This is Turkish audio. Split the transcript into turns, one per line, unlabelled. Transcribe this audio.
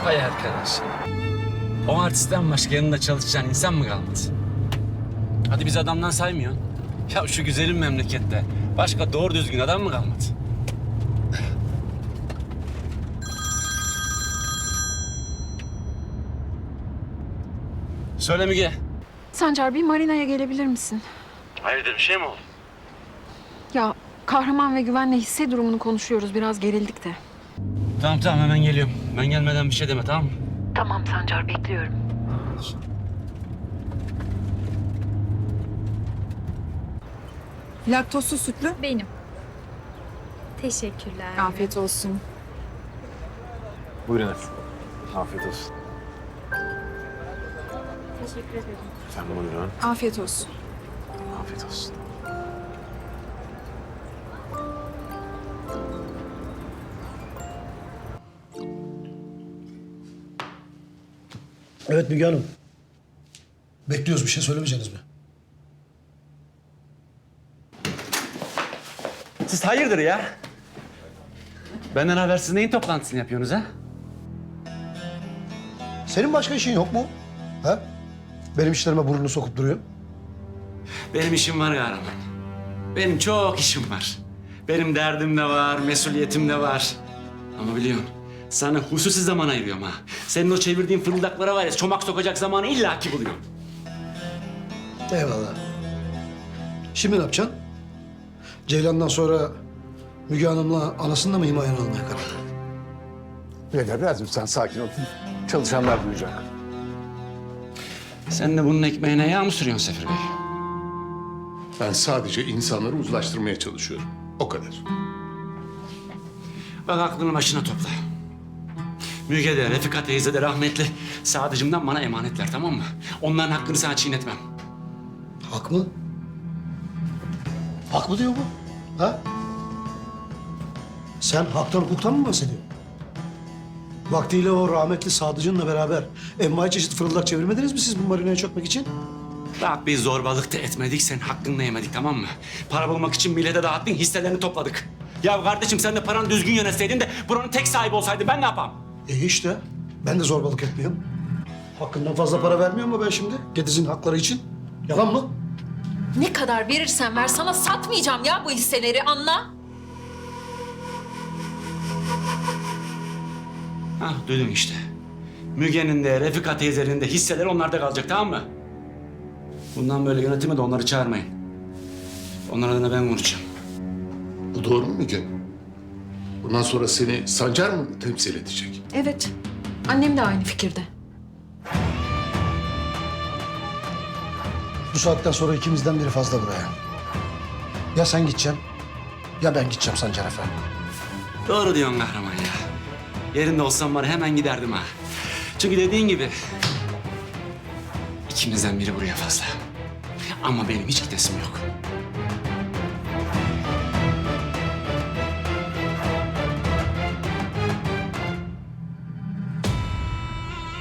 Vay arkadaş. O artistten başka yanında çalışacağın insan mı kalmadı? Hadi biz adamdan saymıyorsun. Ya şu güzelim memlekette başka doğru düzgün adam mı kalmadı? Söyle Müge.
Sancar, bir marinaya gelebilir misin?
Hayırdır, bir şey mi oldu?
Ya Kahraman ve Güven'le hisse durumunu konuşuyoruz. Biraz gerildik de.
Tamam hemen geliyorum. Ben gelmeden bir şey deme, tamam mı?
Tamam Sancar, bekliyorum.
Laktozsuz sütlü.
Benim. Teşekkürler.
Afiyet olsun.
Buyurun efendim. Afiyet olsun.
Teşekkür ederim.
Efendim buyurun.
Afiyet olsun.
Afiyet olsun.
Evet Müge Hanım. Bekliyoruz, bir şey söylemeyeceksiniz mi?
Siz hayırdır ya? Benden habersiz neyin toplantısını yapıyorsunuz ha?
Senin başka işin yok mu? Ha? Benim işlerime burnunu sokup duruyor.
Benim işim var kahraman. Benim çok işim var. Benim derdim de var, mesuliyetim de var. Ama biliyorsun, sana hususi zaman ayırıyorum ha. Senin o çevirdiğin fırıldaklara var ya, çomak sokacak zamanı illaki buluyorum.
Eyvallah. Şimdi ne yapacaksın? Ceylan'dan sonra Müge Hanım'la anasını da mı himayene almaya karar verdin?
Birader biraz lütfen sakin ol. Çalışanlar duyacak.
Sen de bunun ekmeğine yağ mı sürüyorsun Sefir Bey?
Ben sadece insanları uzlaştırmaya çalışıyorum. O kadar.
Bak aklını başına topla. Müge de, Refika teyze de rahmetli Sadıcığımdan bana emanetler, tamam mı? Onların hakkını sana çiğnetmem.
Hak mı? Hak mı diyor bu? Ha? Sen haktan hukuktan mı bahsediyorsun? Vaktiyle o rahmetli Sadıcı'nla beraber envai çeşit fırıldak çevirmediniz mi siz bu marinaya çökmek için?
Bak biz zorbalık da etmedik, sen hakkını da yemedik, tamam mı? Para bulmak için millete dağıttın, hisselerini topladık. Ya kardeşim sen de paranı düzgün yönetseydin de buranın tek sahibi olsaydın ben ne yapam?
İşte ben de zorbalık etmiyorum. Hakkından fazla para vermiyor mu ben şimdi? Gediz'in hakları için. Yalan mı?
Ne kadar verirsen ver, sana satmayacağım ya bu hisseleri, anla.
Hah duydun işte. Müge'nin de, Refika teyzenin de hisseleri onlarda kalacak, tamam mı? Bundan böyle yönetime de onları çağırmayın. Onlar adına ben konuşacağım.
Bu doğru mu Müge? Bundan sonra seni Sancar mı temsil edecek?
Evet, annem de aynı fikirde.
Bu saatten sonra ikimizden biri fazla buraya. Ya sen gideceksin ya ben gideceğim Sancar Efendi.
Doğru diyorsun kahraman ya. Yerinde olsam var hemen giderdim ha. Çünkü dediğin gibi ikimizden biri buraya fazla. Ama benim hiç gidesim yok.